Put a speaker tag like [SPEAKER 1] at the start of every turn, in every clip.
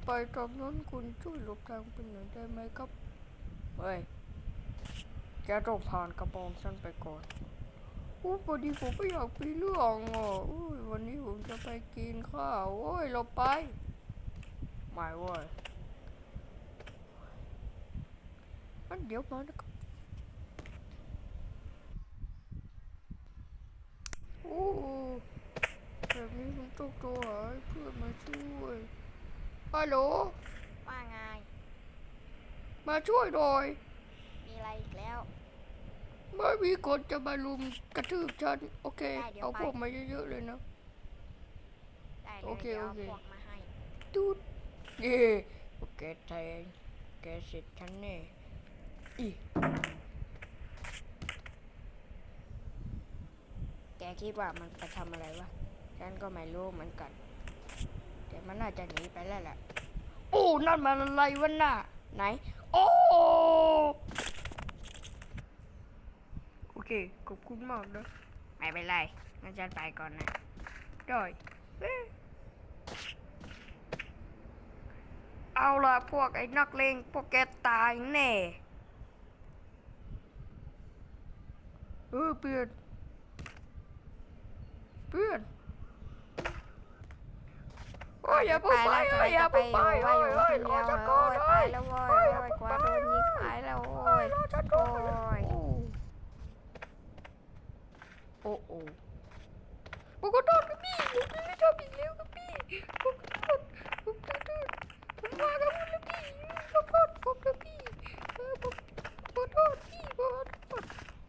[SPEAKER 1] ไปตรงนั้นคุณช่วยหลบทางไปหน่อยได้ไหมครับเฮ้ยแกต้องผ่านกระบองฉันไปก่อนพอดีผมไม่อยากมีเรื่องวันนี้ผมจะไปกินข้าวเราไปไม่เว้ยงั้นเดี๋ยวมานะครับแบบนี้ผมต้องโทรหาเพื่อนมาช่วยฮัลโหล
[SPEAKER 2] ว่าไง
[SPEAKER 1] มาช่วยหน่อย
[SPEAKER 2] มีอะไรอีกแล้ว
[SPEAKER 1] ไม่มีคนจะมาลุมกระทืบฉันโอเคเอาพวกมาเยอะๆเลยนะ
[SPEAKER 2] ได้เลยเดี๋ยวเอาพวกมาให้
[SPEAKER 1] ตูดเย่แกแทงแกเสร็จฉันแน่อี
[SPEAKER 2] แกคิดว่ามันไปทำอะไรวะฉันก็ไม่รู้เหมือนกันแต่มันน่าจะหนีไปแล้วแหละ
[SPEAKER 1] นั่นมันอะไรวะน่ะ
[SPEAKER 2] ไหน
[SPEAKER 1] โอเคขอบคุณมากนะ
[SPEAKER 2] ไม่เป็นไรงั้นฉันไปก่อนนะ
[SPEAKER 1] ได้เอาล่ะพวกไอ้นักเลงพวกแกตายแน่เพื่อนอย่าเพิ่งไปอย่าเพิ่งไปรอฉันก่อน
[SPEAKER 2] ไปแล้วโว้ยกว่าโดนยิงหายแล้วโว้ย
[SPEAKER 1] รอฉันก่อนโอ้ผมขอโทษครับพี่ผมไม่ทำอีกแล้วครับพี่ผมขอโทษผมมากับคุณแล้วพี่ขอโทษผมนะพี่ผมขอโทษพี่ขอโทษ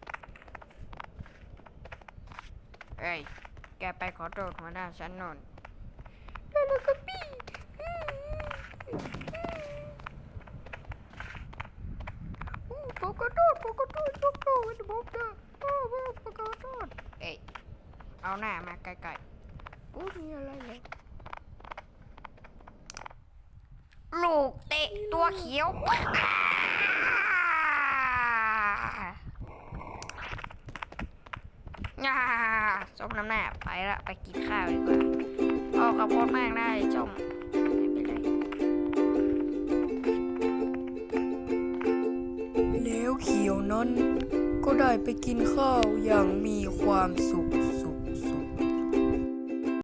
[SPEAKER 2] เอ้ยแกไปขอโทษหัวหน้าฉันนน
[SPEAKER 1] ได้แล้วครับพี่ผมขอโทษยกโทษผมจะผมขอโทษ
[SPEAKER 2] เอ้ยเอาหน้ามาใกล้
[SPEAKER 1] มีอะไรเนี่ย
[SPEAKER 2] ๆลูกเตะตัวเขียวส้มน้ำหน้าไปละไปกินข้าวดีกว่าขอบคุณมากนะส้มไม่เป็นไร
[SPEAKER 1] แล้วเขียวนั้นก็ได้ไปกินข้าวอย่างมีความสุข